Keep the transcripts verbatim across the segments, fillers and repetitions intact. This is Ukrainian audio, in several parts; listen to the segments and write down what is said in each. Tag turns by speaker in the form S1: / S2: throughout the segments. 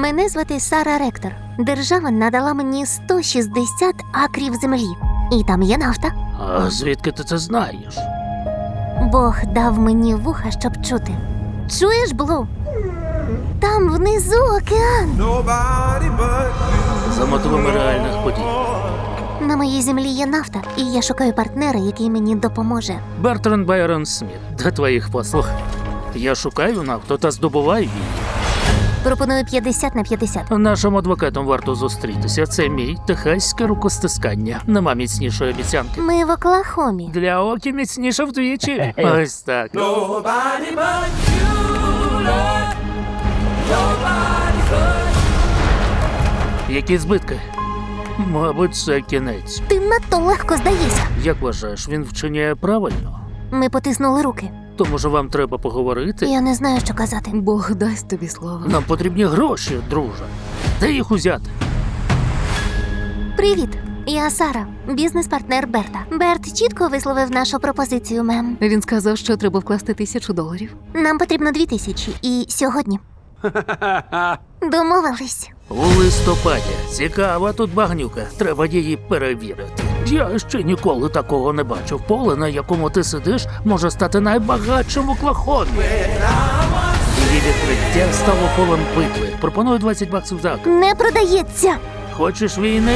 S1: Мене звати Сара Ректор. Держава надала мені сто шістдесят акрів землі. І там є нафта.
S2: А звідки ти це знаєш?
S1: Бог дав мені вуха, щоб чути. Чуєш, Блу? Там внизу океан.
S2: За мотивами реальних подій.
S1: На моїй землі є нафта, і я шукаю партнера, який мені допоможе.
S2: Бертранд Байрон Сміт, до твоїх послуг. Я шукаю нафту та здобуваю її.
S1: Пропоную п'ятдесят на п'ятдесят.
S2: Нашим адвокатом варто зустрітися. Це мій техаське рукостискання. Нема міцнішої обіцянки.
S1: Ми в Оклахомі.
S2: Для окі міцніше вдвічі. Ось так. Які збитки? Мабуть, це кінець.
S1: Ти надто легко здаєшся.
S2: Як вважаєш, він вчиняє правильно?
S1: Ми потиснули руки.
S2: То, може, вам треба поговорити?
S1: Я не знаю, що казати.
S3: Бог дасть тобі слово.
S2: Нам потрібні гроші, друже. Де їх узяти?
S1: Привіт, я Сара, бізнес-партнер Берта. Берт чітко висловив нашу пропозицію, мем.
S3: Він сказав, що треба вкласти тисячу доларів.
S1: Нам потрібно дві тисячі. І сьогодні. Домовились.
S2: У листопаді. Цікава тут багнюка. Треба її перевірити. Я ще ніколи такого не бачив. Поле, на якому ти сидиш, може стати найбагатшим в Оклахомі. Її відкриття стало полем битви. Пропоную двадцять баксів за акр.
S1: Не продається.
S2: Хочеш війни?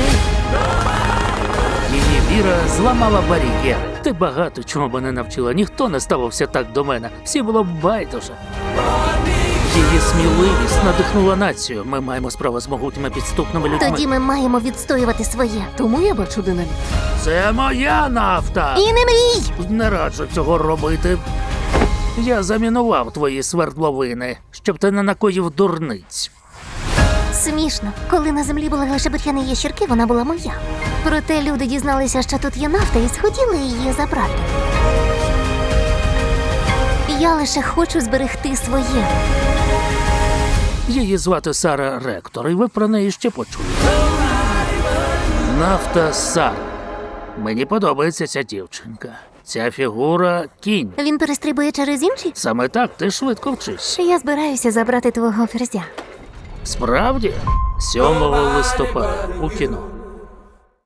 S2: Її віра зламала бар'єри. Ти багато чому мене навчила. Ніхто не ставився так до мене. Всі було б байдуже. Її сміливість надихнула націю. Ми маємо справу з могутніми підступними людьми.
S1: Тоді ми маємо відстоювати своє.
S3: Тому я бачу динаміт.
S2: Це моя нафта!
S1: І не мрій!
S2: Не раджу цього робити. Я замінував твої свердловини, щоб ти не накоїв дурниць.
S1: Смішно. Коли на землі були лише бур'яни і ящірки, вона була моя. Проте люди дізналися, що тут є нафта, і схотіли її забрати. Я лише хочу зберегти своє.
S2: Її звати Сара Ректор, і ви про неї ще почуєте. Нафта Сара. Мені подобається ця дівчинка. Ця фігура – кінь.
S1: Він перестрибує через інші?
S2: Саме так ти швидко вчишся.
S1: Я збираюся забрати твого ферзя.
S2: Справді? сьомого листопада у кіно.